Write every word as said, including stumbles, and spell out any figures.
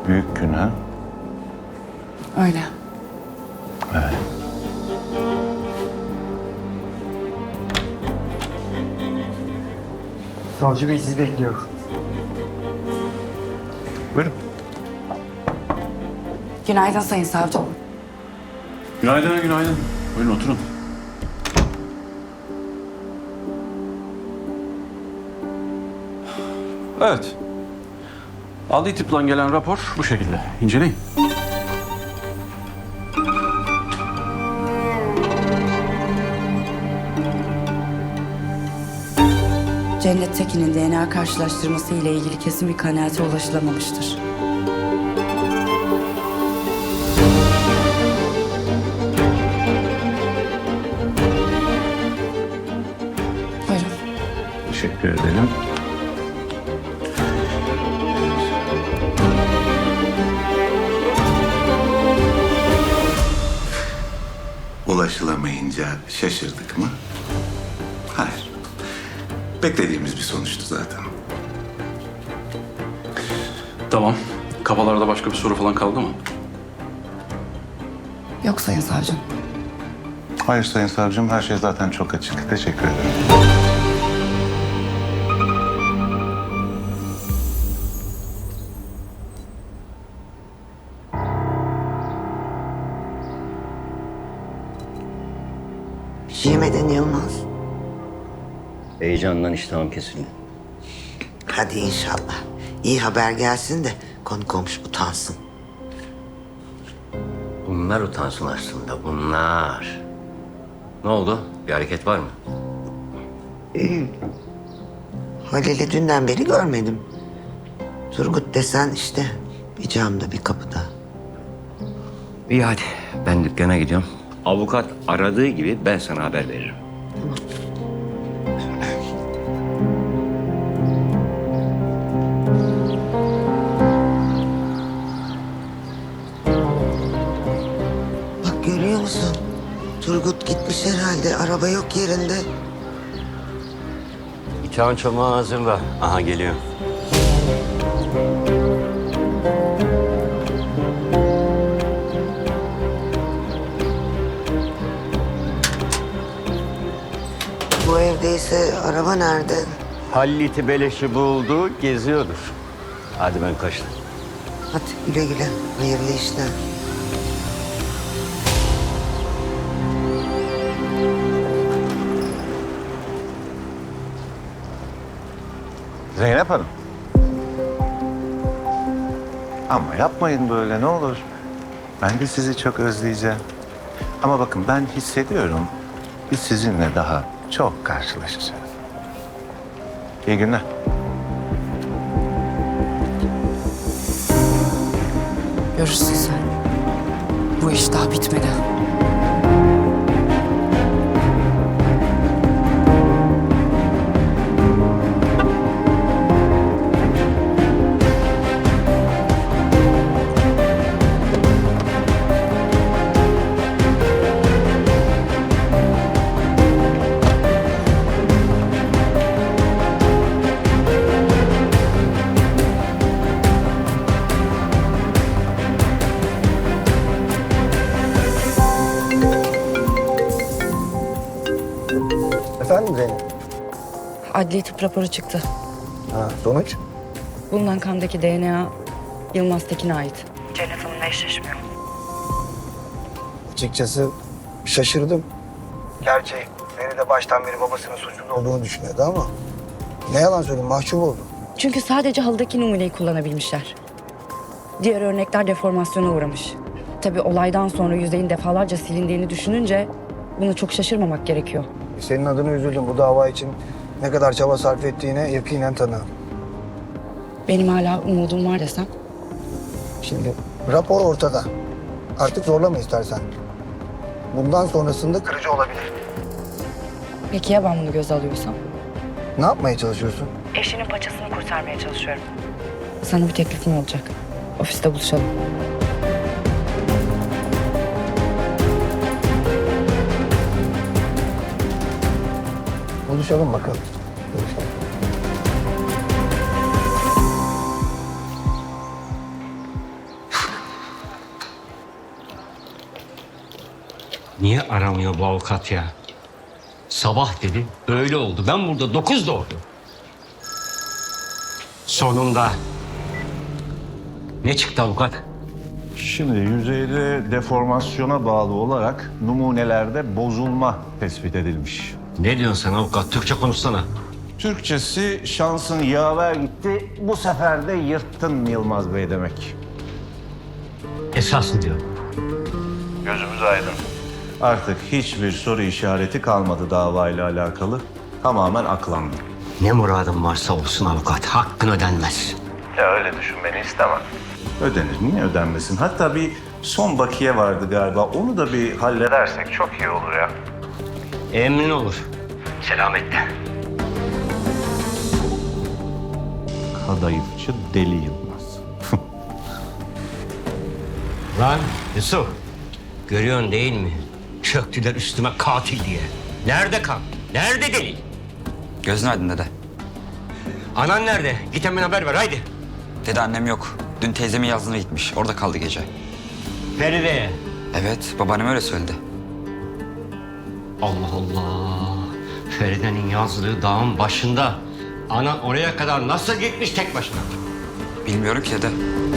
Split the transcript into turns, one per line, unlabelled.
büyük gün ha?
Öyle.
Evet.
Savcı Bey sizi bekliyor.
Buyurun.
Günaydın Sayın Savcım.
Günaydın, günaydın. Buyurun oturun. Evet. Adli tıptan gelen rapor bu şekilde. İnceleyin.
Cennet Tekin'in D N A karşılaştırması ile ilgili kesin bir kanaate ulaşılamamıştır. Buyurun.
Teşekkür ederim.
Ulaşılamayınca şaşırdık mı? Hayır. Beklediğimiz bir sonuçtu zaten.
Tamam. Kafalarda başka bir soru falan kaldı mı?
Yok Sayın Savcım.
Hayır Sayın Savcım, her şey zaten çok açık. Teşekkür ederim.
Yemeden Yılmaz.
Heyecandan iştahım kesildi.
Hadi inşallah. İyi haber gelsin de konu komşu utansın.
Bunlar utansın aslında, bunlar. Ne oldu? Bir hareket var mı?
Halil'i dünden beri görmedim. Turgut desen işte bir camda bir kapıda.
İyi hadi, ben dükkana gidiyorum. Avukat aradığı gibi ben sana haber veririm.
Bak görüyor musun? Turgut gitmiş herhalde. Araba yok yerinde.
Bıçağın çomağı hazırla. Aha geliyor.
Bu evdeyse araba nerede?
Halliti beleşi buldu, geziyordur. Hadi ben kaçtım.
Hadi güle güle. Hayırlı işler.
Zeynep Hanım. Ama yapmayın böyle, ne olur. Ben de sizi çok özleyeceğim. Ama bakın, ben hissediyorum, biz sizinle daha çok karşılaşacağız. İyi günler.
Görürsün sen. Bu iş daha bitmedi.
Efendim Zeynep?
Adli tıp raporu çıktı.
Ha, sonuç?
Bulunan kandaki D N A Yılmaz Tekin'e ait. Cennet Hanım'la eşleşmiyor.
Açıkçası şaşırdım. Gerçi beni de baştan beri babasının suçlu olduğunu düşünüyordu ama... Ne yalan söyleyeyim, mahcup oldum.
Çünkü sadece halıdaki numuneyi kullanabilmişler. Diğer örnekler deformasyona uğramış. Tabii olaydan sonra yüzeyin defalarca silindiğini düşününce buna çok şaşırmamak gerekiyor.
Senin adına üzüldüm. Bu dava için ne kadar çaba sarf ettiğine yakinen tanığım.
Benim hala umudum var desem.
Şimdi rapor ortada. Artık zorlama istersen. Bundan sonrasında kırıcı olabilir.
Peki ya ben bunu göze alıyorsam?
Ne yapmaya çalışıyorsun?
Eşinin paçasını kurtarmaya çalışıyorum. Sana bir teklifim olacak. Ofiste buluşalım.
Buluşalım bakalım. Buluşalım.
Niye aramıyor bu avukat ya? Sabah dedi, öyle oldu. Ben burada dokuz doğdu. Sonunda. Ne çıktı avukat?
Şimdi yüzeyde deformasyona bağlı olarak numunelerde bozulma tespit edilmiş.
Ne diyorsun sen avukat? Türkçe konuşsana.
Türkçesi şansın yaver gitti, bu sefer de yırttın Yılmaz Bey demek.
Esas mı diyor?
Gözümüz aydın. Artık hiçbir soru işareti kalmadı davayla alakalı. Tamamen aklandı.
Ne muradın varsa olsun avukat. Hakkın ödenmez.
Ya öyle düşünmeni istemem. Ödenir, niye ödenmesin? Hatta bir son bakiye vardı galiba. Onu da bir halledersek çok iyi olur ya.
Emrin olur. Selametle.
Kadayıfçı Deli Yılmaz.
Lan Yusuf. Görüyorsun değil mi? Çöktüler üstüme katil diye. Nerede kan? Nerede delil?
Gözün aydın dede.
Anan nerede? Git hemen haber ver haydi.
Dede annem yok. Dün teyzemin yazlığına gitmiş. Orada kaldı gece.
Feride'ye.
Evet, babaannem öyle söyledi.
Allah Allah. Feride'nin yazlığı dağın başında. Anan oraya kadar nasıl gitmiş tek başına?
Bilmiyorum ki dede.